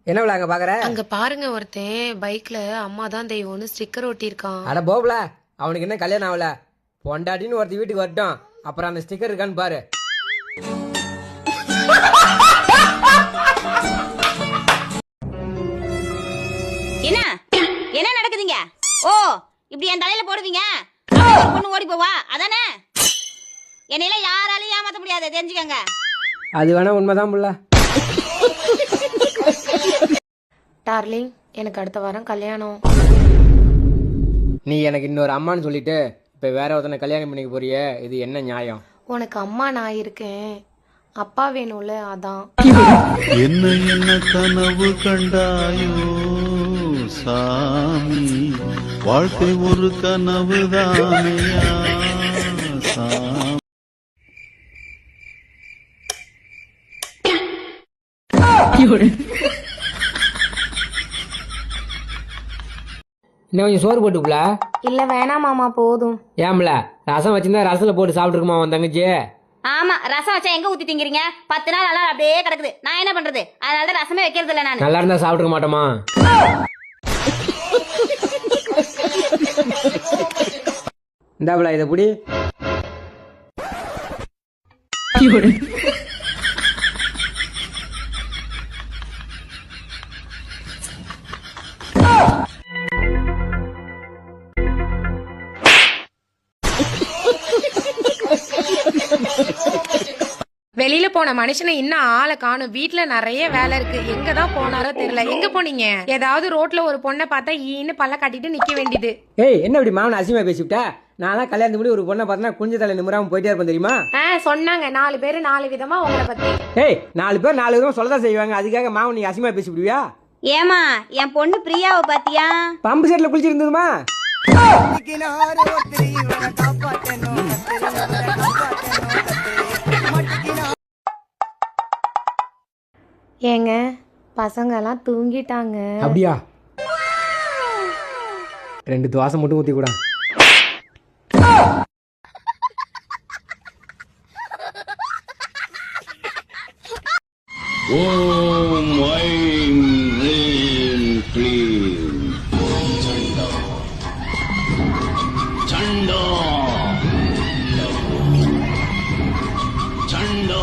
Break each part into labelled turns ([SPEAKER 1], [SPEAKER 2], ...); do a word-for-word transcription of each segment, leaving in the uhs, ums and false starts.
[SPEAKER 1] என்ன விழா அங்க பாக்குற?
[SPEAKER 2] அங்க பாருங்க, ஒருத்தன் பைக்ல அம்மா தான் தெய்வம்னு ஸ்டிக்கர் ஒட்டியிருக்கான்.
[SPEAKER 1] அட போப்ல, அவனுக்கு என்ன கல்யாணம் ஆகல? பொண்டாட்டின்னு ஒருத்தி வீட்டுக்கு வரட்டும், அப்புறம் அந்த ஸ்டிக்கர் இருக்கான்னு பாரு.
[SPEAKER 3] என்ன என்ன நடக்குதுங்க? ஓ, இப்படி என் தலையில போடுவீங்க? பொண்ணு ஓடி போவா அதானே? என்னையில யாராலையும் ஏமாத்த முடியாது, தெரிஞ்சுக்கங்க.
[SPEAKER 1] அது வேணா உண்மைதான் புள்ள.
[SPEAKER 2] டார்லிங், எனக்கு அடுத்த வாரம் கல்யாணம்.
[SPEAKER 1] நீ எனக்கு இன்னொரு அம்மான்னு சொல்லிட்டு இப்ப வேற ஒருத்தனை கல்யாணம் பண்ணிக்க போறியே, இது என்ன நியாயம்?
[SPEAKER 2] உனக்கு அம்மா நான் இருக்கேன், அப்பா வேணும்ல, அதான்.
[SPEAKER 4] என்ன என்ன கனவு கண்டாயோ சாமி, வாழ்க்கை ஒரு கனவு தானையா சாமி.
[SPEAKER 1] இன்னும் கொஞ்சம் சோறு போட்டுக்குல.
[SPEAKER 2] இல்ல வேணாம் மாமா, போதும்.
[SPEAKER 1] ஏம்ல, ரசம் வச்சிருந்தா ரசத்துல போட்டு சாப்பிட்டுருக்குமா உன் தங்கச்சி?
[SPEAKER 3] ஆமா, ரசம் வச்சா எங்க ஊத்தி திங்கிறீங்க? பத்து நாள் நல்லா அப்படியே கிடக்குது, நான் என்ன பண்றது? அதனால ரசமே வைக்கிறது இல்ல நான்.
[SPEAKER 1] நல்லா இருந்தா சாப்பிட்டுக்க மாட்டோமா? இந்தாப்புல இதை புடி.
[SPEAKER 2] வெளியில போன மனுஷனை இன்னும் ஆளை காணும். வீட்டுல நிறைய வேலை இருக்கு, எங்கதான் போனாரோ தெரியல. எங்க போனீங்க? ஏதாவது ரோட்ல ஒரு பொண்ணை பார்த்தா ஈன்னு பல்ல கட்டிட்டு நிக்க வேண்டியது.
[SPEAKER 1] ஏய், என்ன இப்படி மாவன அசிமா பேசிவிட்ட? நான் கல்யாணத்துக்கு முடி ஒரு பொண்ணை பார்த்தா குஞ்ச தலை நிமிராம போயிட்டே இருப்பேன் தெரியுமா?
[SPEAKER 2] ஆஹ் சொன்னாங்க, நாலு பேரு நாலு விதமா உங்களை பத்தி.
[SPEAKER 1] ஏய், நாலு பேர் நாலு விதமா சொல்லதான் செய்வாங்க, அதுக்காக மாவன் நீ அசிமா பேசிவிடுவியா?
[SPEAKER 3] ஏமா, என் பொண்ணு பிரியாவை பாத்தியா?
[SPEAKER 1] பம்பு செட்ல குளிச்சிருந்ததுமா?
[SPEAKER 2] ஏங்க, பசங்க எல்லாம் தூங்கிட்டாங்க.
[SPEAKER 1] அப்படியா? ரெண்டு தோசை மட்டும் ஊத்தி கூட.
[SPEAKER 4] ஓம் ஐம் ரீம் க்ளீம் சண்டா சண்டா சண்டா.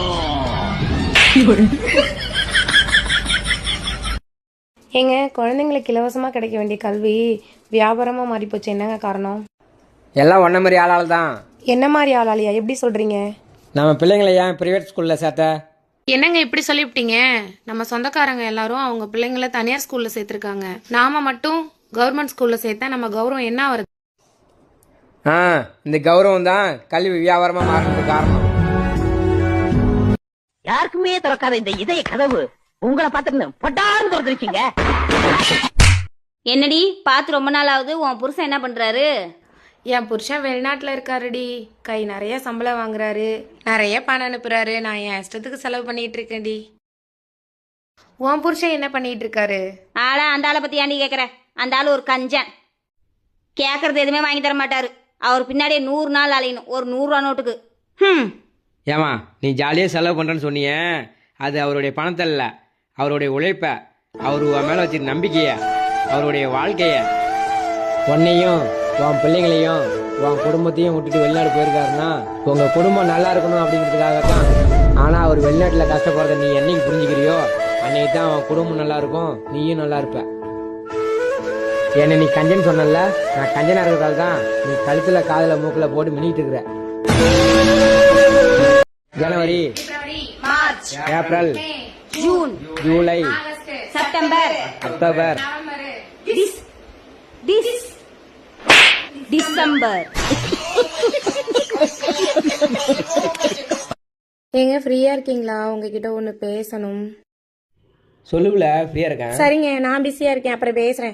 [SPEAKER 2] ஏங்க, குழந்தைங்களுக்கு இலவசமா கிடைக்க வேண்டிய கல்வி வியாபாரமா மாறி போச்சு, என்னங்க காரணம்?
[SPEAKER 1] எல்லாம் ஒன்ன மாதிரி ஆளால தான்.
[SPEAKER 2] என்ன மாதிரி ஆளாலியா? எப்படி சொல்றீங்க?
[SPEAKER 1] நம்ம பிள்ளைங்களை ஏன் பிரைவேட் ஸ்கூல்ல சேர்த்த?
[SPEAKER 2] என்னங்க இப்படி சொல்லிவிட்டீங்க? நம்ம சொந்தக்காரங்க எல்லாரும் அவங்க பிள்ளைங்கள தனியார் ஸ்கூல்ல சேர்த்திருக்காங்க, நாம மட்டும் கவர்மெண்ட் ஸ்கூல்ல சேர்த்தா நம்ம கௌரவம் என்ன வருது?
[SPEAKER 1] ஆ, இந்த கௌரவம் தான் கல்வி வியாபாரமா மாறினதுக்கு காரணம்.
[SPEAKER 5] யாருக்குமே திறக்காத இந்த இதய கதவு உங்களை பார்த்துட்டு பட்டான்னு திறந்துருக்கீங்க.
[SPEAKER 3] என்னடி பார்த்து ரொம்ப நாள் ஆகுது, உன் புருஷன் என்ன பண்றாரு?
[SPEAKER 2] என் புருஷன் வெளிநாட்டுல இருக்காருடி, கை நிறைய சம்பளம் வாங்குறாரு, நிறைய பணம் அனுப்புறாரு, நான் என் இஷ்டத்துக்கு செலவு பண்ணிட்டு இருக்கேன்டி. உன் புருஷன் என்ன பண்ணிட்டு இருக்காரு?
[SPEAKER 3] ஆளா அந்த ஆளை பத்தி ஏன்டி கேக்குற? அந்த ஆளு ஒரு கஞ்சன், கேக்குறது எதுவுமே வாங்கி தர மாட்டாரு. அவர் பின்னாடியே நூறு நாள் அலையணும் ஒரு நூறு ரூபா நோட்டுக்கு. ஹம்.
[SPEAKER 1] ஏமா, நீ ஜாலியா செலவு பண்றேன்னு சொன்னியே, அது அவருடைய பணத்தை இல்ல, அவருடைய உழைப்ப, அவரு உன் மேல வச்சிருக்க நம்பிக்கைய, அவருடைய வாழ்க்கைய. உன்னையும் உன் பிள்ளைங்களையும் உன் குடும்பத்தையும் விட்டுட்டு வெளிநாடு போயிருக்காருன்னா உங்க குடும்பம் நல்லா இருக்கணும் அப்படிங்கிறதுக்காக தான். ஆனா அவர் வெளிநாட்டுல கஷ்டப்படுறத நீ என்னைக்கு புரிஞ்சுக்கிறியோ அன்னைக்கு தான் அவன் குடும்பம் நல்லா இருக்கும், நீயும் நல்லா இருப்ப. என்ன நீ கஞ்சன் சொன்னல, நான் கஞ்சனா இருக்கிறதால தான் நீ கழுத்துல காதுல மூக்குல போட்டு மினிட்டு இருக்கிற. ஜனவரி,
[SPEAKER 3] மார்ச்,
[SPEAKER 1] ஏப்ரல்,
[SPEAKER 3] ஜூன்,
[SPEAKER 1] ஜூலை,
[SPEAKER 3] செப்டம்பர்,
[SPEAKER 1] அக்டோபர்,
[SPEAKER 3] டிஸ் டிஸ் டிசம்பர்.
[SPEAKER 2] ஏங்க, ஃப்ரீயா இருக்கீங்களா? உங்ககிட்ட ஒண்ணு பேசணும்.
[SPEAKER 1] சொல்லுல, ஃப்ரீயா இருக்கேன்.
[SPEAKER 2] சரிங்க, நான் பிஸியா இருக்கேன், அப்புறம் பேசுறேன்.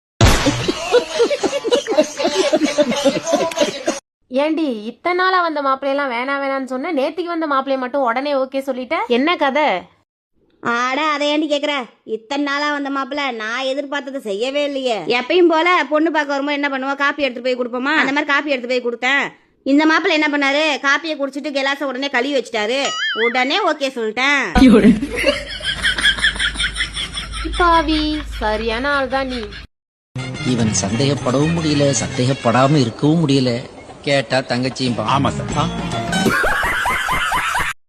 [SPEAKER 2] ஏண்டி, இத்தனை நாளா வந்த மாப்பிள்ளையெல்லாம் வேணாம் வேணான்னு சொன்ன, நேத்திக்கு வந்த மாப்பிள்ளைய மட்டும் உடனே ஓகே சொல்லிட்ட, என்ன கதை?
[SPEAKER 3] ஆட அதை ஏண்டி கேக்குற? இத்தனை நாளா வந்த மாப்பிள்ள நான் எதிர்பார்த்தது செய்யவே இல்லையே. எப்பயும் போல பொண்ணு பார்க்க வரும்போது என்ன பண்ணுவோம், காப்பி எடுத்து போய் கொடுப்போமா, அந்த மாதிரி காப்பி எடுத்து போய் கொடுத்தேன். இந்த மாப்பிள்ள என்ன பண்ணாரு, காப்பியை குடிச்சிட்டு கிளாஸ உடனே கழுவி வச்சுட்டாரு, உடனே ஓகே சொல்லிட்டேன்.
[SPEAKER 2] இப்ப பாவி சரியான ஆள் தான் நீ.
[SPEAKER 6] இவன் சந்தேகப்படவும் முடியல, சந்தேகப்படாம இருக்கவும் முடியல. கேட்டா தங்கச்சியும்
[SPEAKER 4] ஆமா சார்